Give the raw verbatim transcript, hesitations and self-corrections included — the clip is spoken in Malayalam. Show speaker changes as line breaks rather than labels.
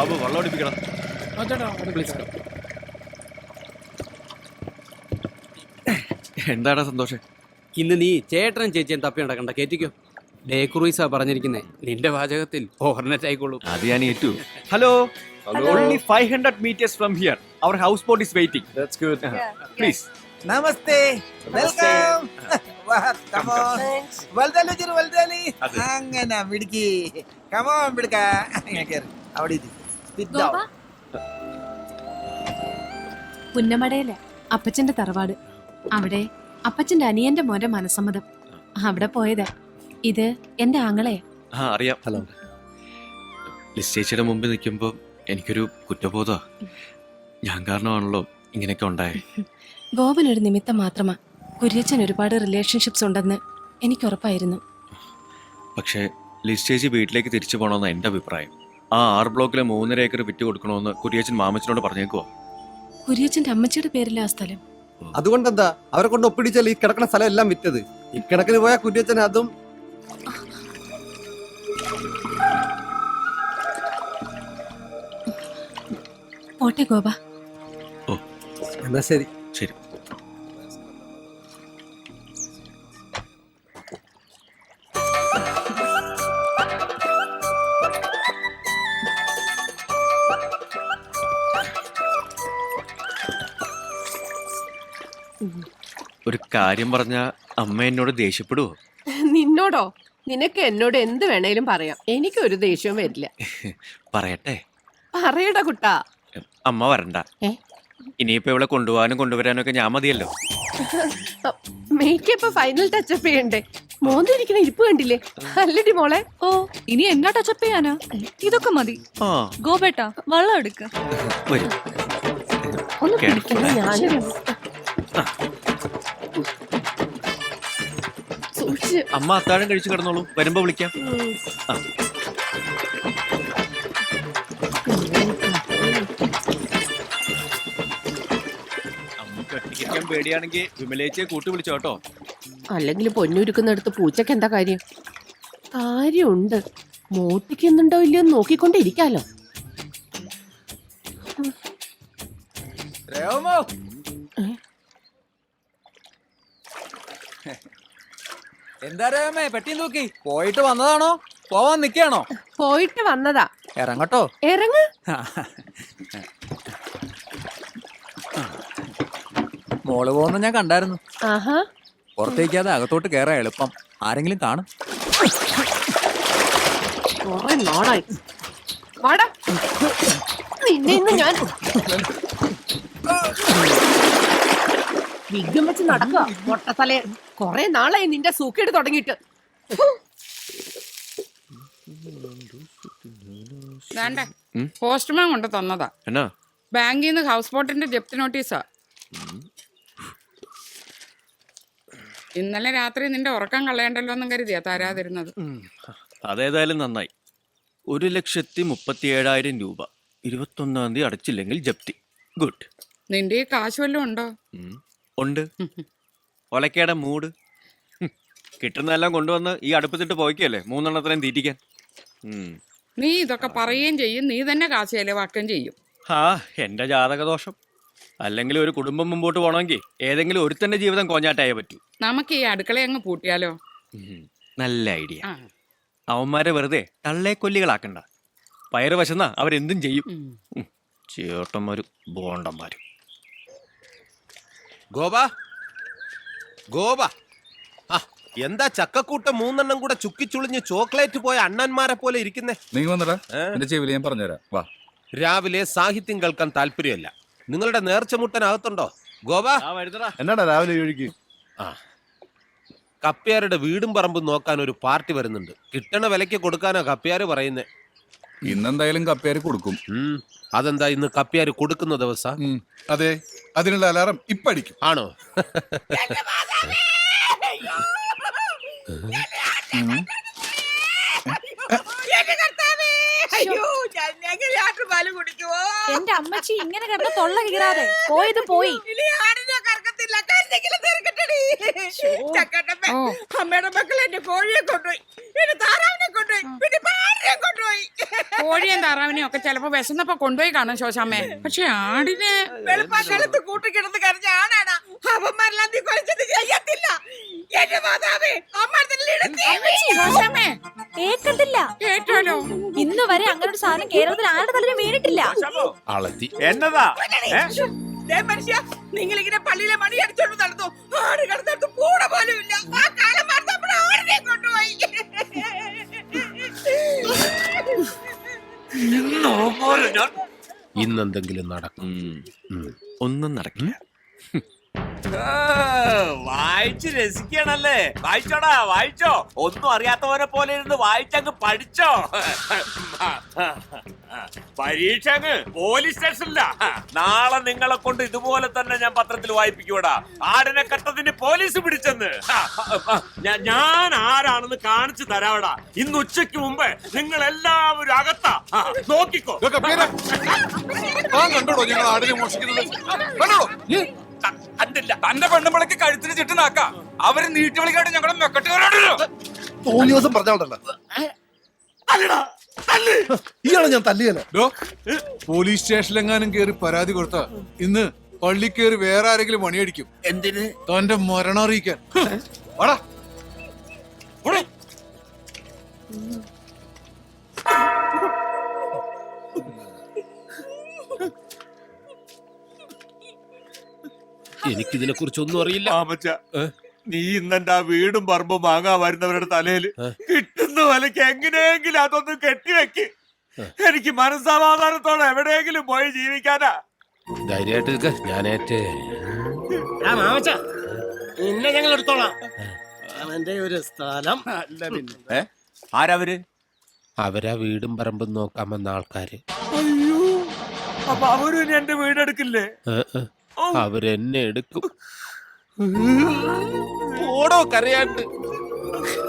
ബാബു വെള്ളം അടിപ്പിക്കണം. എന്താടാ സന്തോഷം?
ഇന്ന് നീ ചേട്ടനും ചേച്ചിയും തപ്പി നടക്കണ്ട, കേറ്റിക്കോ. ഡേ ക്രൂയിസാ പറഞ്ഞിരിക്കുന്നേ, നിന്റെ വാചകത്തിൽ ഓവർനെറ്റ് ആയിക്കോളൂ.
അത് ഞാൻ ഏറ്റു. Hello, only five hundred meters from here. Our houseboat is waiting. That's good. Please.
Namaste. Welcome. Come on. Valdali jiru valdali. Angana bidki. Come on bidka. Angakir. Avadi idi. Sit down.
പുന്നമടയിലെ അപ്പച്ചന്റെ തറവാട്. അവിടെ അപ്പച്ചന്റെ അനിയന്റെ മോന്റെ മനസ്സമ്മതം. അവിടെ പോയതാ. ഇത് എന്റെ ആങ്ങളെ.
ആ അറിയാം. ഹലോ. ലിസ്റ്റേച്ചിയുടെ മുമ്പിൽ നിൽക്കുമ്പോൾ എനിക്കൊരു കുറ്റബോധ. ഞാൻ കാരണമാണല്ലോ ഇങ്ങനെയൊക്കെ ഉണ്ടായേ.
ഗോപൻ ഒരു നിമിത്തം മാത്രമാ. കുര്യച്ചൻ ഒരുപാട് റിലേഷൻഷിപ്സ് ഉണ്ടെന്ന് എനിക്ക് ഉറപ്പായിരുന്നു.
പക്ഷേ ലിസ്റ്റേജ് വീട്ടിലേക്ക് തിരിച്ചു പോകണമെന്ന് എൻ്റെ അഭിപ്രായം. ആ ആറ് ബ്ലോക്കിലെ മൂന്നര ഏക്കർ വിറ്റ് കൊടുക്കണമെന്ന് കുര്യച്ചൻ മാമച്ചനോട് പറഞ്ഞേക്കുവോ?
കുര്യച്ചന്റെ അമ്മച്ചിയുടെ പേരില്ല ആ സ്ഥലം.
അതുകൊണ്ടെന്താ അവരെ കൊണ്ട് ഒപ്പിടിച്ചാൽ ഈ കിടക്കുന്ന സ്ഥലം എല്ലാം വിറ്റത്. ഇക്കണക്കിന് പോയ കുര്യച്ചൻ അതും.
പോട്ടെ ഗോപ.
ഓ
എന്നാ ശരി.
ശരി. ഒരു കാര്യം പറഞ്ഞ അമ്മ എന്നോട് ദേഷ്യപ്പെടുവോ?
നിന്നോടോ? നിനക്ക് എന്നോട് എന്ത് വേണേലും പറയാം, എനിക്കൊരു ദേഷ്യവും വരില്ല.
പറയട്ടെ?
പറയടാ കുട്ടാ.
അമ്മ വരണ്ട. ഇനിയിപ്പോ ഇവിടെ കൊണ്ടുപോകാനും കൊണ്ടുവരാനും ഒക്കെ ഞാൻ മതിയല്ലോ.
മേക്കപ്പ് ഫൈനൽ ടച്ചപ്പ് ചെയ്യണ്ടേ? മോന്തിരിക്കണ ഇരിപ്പ് കണ്ടില്ലേ? അല്ലടി മോളെ.
ഓ, ഇനി എന്നാ ടച്ചപ്പ് ചെയ്യാനാ? ഇതൊക്കെ മതി.
ആ
ഗോപേട്ടാ, വെള്ളം എടുക്ക.
വരും.
ഒന്ന് പിടിക്കണ്ട. ഞാനും സൂക്ഷിച്ച്.
അമ്മ അത്താഴം കഴിച്ചു കിടന്നോളൂ, വരുമ്പോ വിളിക്കാം. ആ കട്ടിക്കാൻ പേടിയാണെങ്കിൽ വിമലേച്ചയെ കൂട്ടി വിളിച്ചോ കേട്ടോ.
അല്ലെങ്കിൽ പൊന്നുരുക്കുന്നിടത്ത് പൂച്ചക്ക് എന്താ കാര്യം? കാര്യമുണ്ട്. മോട്ടിക്കുന്നുണ്ടോ ഇല്ലയോ നോക്കിക്കൊണ്ടിരിക്കാലോ.
എന്താ രേമേ പെട്ടി നോക്കി പോയിട്ട് വന്നതാണോ പോവാൻ നിക്കാണോ?
പോയിട്ട് വന്നതാ.
ഇറങ്ങട്ടോ.
ഇറങ്ങ.
മോള് പോകുന്ന ഞാൻ കണ്ടായിരുന്നു.
ആഹാ.
പുറത്തേക്കാതെ അകത്തോട്ട് കേറാ എളുപ്പം. ആരെങ്കിലും കാണും.
കൊറേ നാളായി. വാടാ. നിന്നെ ഇന്ന് ഞാൻ വിഗ്ഗം വെച്ച് നടക്കുക മൊട്ടത്തലേ. കൊറേ നാളായി നിന്റെ സൂക്കേട് തുടങ്ങിയിട്ട്.
പോസ്റ്റ്മാൻ കൊണ്ട് തന്നതാ.
എന്നാ?
ബാങ്കിൽ നിന്ന് ഹൗസ് ബോട്ടിന്റെ ജപ്തി നോട്ടീസാ. ഇന്നലെ രാത്രി നിന്റെ ഉറക്കം കളയണ്ടല്ലോ എന്നും കരുതിയാ തരാതിരുന്നത്.
അതേതായാലും നന്നായി. ഒരു ലക്ഷത്തി മുപ്പത്തി ഏഴായിരം രൂപ ഇരുപത്തൊന്നാം തീയതി അടച്ചില്ലെങ്കിൽ ജപ്തി. ഗുഡ്.
നിന്റെ ഈ കാശ് വല്ലതും ഉണ്ടോ?
ഉണ്ട്. ഒലക്കേടെ മൂട്. കിട്ടുന്നതെല്ലാം കൊണ്ടുവന്ന് ഈ അടുപ്പത്തിട്ട് പോയിക്കല്ലേ മൂന്നെണ്ണത്തിനും തീറ്റിക്കാൻ.
നീ ഇതൊക്കെ പറയുകയും ചെയ്യും, നീ തന്നെ കാശ് ചെലവാക്കുകയും ചെയ്യും.
ആ എന്റെ ജാതകദോഷം. അല്ലെങ്കിൽ ഒരു കുടുംബം മുമ്പോട്ട് പോകണമെങ്കിൽ ഏതെങ്കിലും ഒരുത്തന്റെ ജീവിതം കോഞ്ഞാട്ടായേ പറ്റൂ.
നമുക്ക് ഈ അടുക്കള അങ്ങ് പൂട്ടിയാലോ?
നല്ല ഐഡിയ. അവന്മാരെ വെറുതെ തള്ളേക്കൊല്ലികളാക്കണ്ട. പയറ് വശന്നാ അവരെന്തും ചെയ്യും. ചേട്ടന്മാരും ബോണ്ടന്മാരും.
ഗോപ ഗോപ ആ എന്താ ചക്കക്കൂട്ടം മൂന്നെണ്ണം കൂടെ ചുക്കിച്ചുളിഞ്ഞ് ചോക്ലേറ്റ് പോയ അണ്ണന്മാരെ പോലെ ഇരിക്കുന്നേ?
നീ വന്നടാ, എന്റെ ചെവിയിൽ ഞാൻ പറഞ്ഞുതരാം. വാ.
രാവിലെ സാഹിത്യം കേൾക്കാൻ താല്പര്യമല്ല. നിങ്ങളുടെ നേർച്ചമുട്ടനകത്തുണ്ടോ ഗോപ?
എന്നാടാ രാവിലെ ഒഴുകി?
ആ കപ്പ്യാരുടെ വീടും പറമ്പും നോക്കാൻ ഒരു പാർട്ടി വരുന്നുണ്ട്. കിട്ടണ വിലയ്ക്ക് കൊടുക്കാനാ കപ്പ്യാര് പറയുന്നേ.
ഇന്നെന്തായാലും കപ്പ്യാര് കൊടുക്കും.
അതെന്താ ഇന്ന് കപ്പ്യാര് കൊടുക്കുന്ന ദിവസം?
അതെ, അതിനുള്ള അലാറം ഇപ്പൊ അടിക്കും.
ആണോ?
എന്റെ അമ്മച്ചി ഇങ്ങനെ കിടന്ന് തൊള്ള കീറാതെ പോയത് പോയി.
പറ്റില്ല കരുതെങ്കിലും തീർക്കട്ടെടി. ചക്കട്ടപ്പൻ,
ഓ.
അമ്മയുടെ മക്കൾ എന്റെ കോഴിയെ കൊണ്ടുപോയി, എന്റെ താറാവിനെ കൊണ്ടുപോയി, പിന്നെ പാടിനെ കൊണ്ടുപോയി.
കോഴിയും താറാവിനെയും ഒക്കെ ചിലപ്പോ വിശന്നപ്പോ കൊണ്ടുപോയി കാണും ശോശാമ്മേ. പക്ഷെ ആടിനെ
വെളുപ്പാക്കാലത്ത് കൂട്ടിക്കിടന്ന് കരഞ്ഞ ആണാണ് അവന്മാരെല്ലാം നീ കൊലച്ചത് ചെയ്യത്തില്ല. എന്റെ മാതാവേ,
ശോശാമ്മേ
കേക്കത്തില്ല.
കേട്ടോലോ.
ഇന്ന് വരെ അങ്ങനെ ഒരു സാധനം കേരളത്തിൽ ആരുടെ തലയിൽ വീണിട്ടില്ല.
അളത്തി
എന്നതാ
മനുഷ്യ, നിങ്ങൾ ഇങ്ങനെ പള്ളിയിലെ മണി അടിച്ചോണ്ട് നടന്നു, ആട് കിടന്നിടത്ത് പൂട പോലും ഇല്ല. ആ കാലം മറന്നപ്പോൾ ആടിനെ കൊണ്ടുപോയി.
ഇന്നെന്തെങ്കിലും നടക്കും.
ഉം. ഒന്നും നടക്കില്ല.
വായിച്ച് രസിക്കണല്ലേ? വായിച്ചോടാ, വായിച്ചോ. ഒന്നും അറിയാത്തവരെ പോലെ ഇരുന്ന് വായിച്ചങ്ങ് പഠിച്ചോ. പരീക്ഷ അങ്ങ് പോലീസ് സ്റ്റേഷനില്ല. നാളെ നിങ്ങളെ കൊണ്ട് ഇതുപോലെ തന്നെ ഞാൻ പത്രത്തിൽ വായിപ്പിക്കൂടാ. ആടിനെ കട്ടതിന് പോലീസ് പിടിച്ചെന്ന്. ഞാ- ഞാൻ ആരാണെന്ന് കാണിച്ചു തരാവടാ. ഇന്ന് ഉച്ചയ്ക്ക് മുമ്പ് നിങ്ങൾ എല്ലാവരും അകത്താ. ആ, നോക്കിക്കോ.
കണ്ടോടോ ഞങ്ങൾ ആടിനെ മോഷിക്കുന്നത്? കണ്ടോടോ?
കണ്ടില്ല.
തന്റെ പെണ്ണുമ്പളക്ക് കഴുത്തിന് ചുറ്റുനാക്ക അവര് നീട്ടി വിളിക്കാണ്ട് ഞങ്ങളുടെ മെക്കട്ടുകാരോടല്ലോ.
തോന്നി ദിവസം പറഞ്ഞോണ്ടല്ലോ ഇയാളെ ഞാൻ തല്ലിയല്ലോ.
പോലീസ് സ്റ്റേഷനിലെങ്ങാനും കേറി പരാതി കൊടുത്ത ഇന്ന് പള്ളി കയറി വേറെ ആരെങ്കിലും മണിയടിക്കും.
എന്തിന്?
തന്റെ മരണം അറിയിക്കാൻ. വാടാ. ഓടെ.
എനിക്കിതിനെ കുറിച്ചൊന്നും അറിയില്ല.
മാമച്ച, നീ ഇന്നെന്റെ ആ വീടും പറമ്പും വാങ്ങാൻ വരുന്നവരുടെ തലയിൽ കിട്ടുന്ന വിലക്ക് എങ്ങനെയെങ്കിലും അതൊന്ന് കെട്ടിവെക്ക്. എനിക്ക് മനസ്സമാധാനത്തോടെ എവിടെയെങ്കിലും പോയി ജീവിക്കാനാ.
ധൈര്യമായിട്ട് നിൽക്ക, ഞാനേറ്റ്.
ഇന്നെ ഞങ്ങൾ എടുത്തോളാം. അവന്റെ ഒരു സ്ഥലം ആരവര്?
അവരാ വീടും പറമ്പും നോക്കാൻ വന്ന ആൾക്കാര്.
അയ്യോ, അപ്പൊ അവരും ഇനി എന്റെ വീടെടുക്കില്ലേ?
ഏ, ഏ. അവരെന്നെ എടുക്കും. ഓടോ കരയാണ്ട്.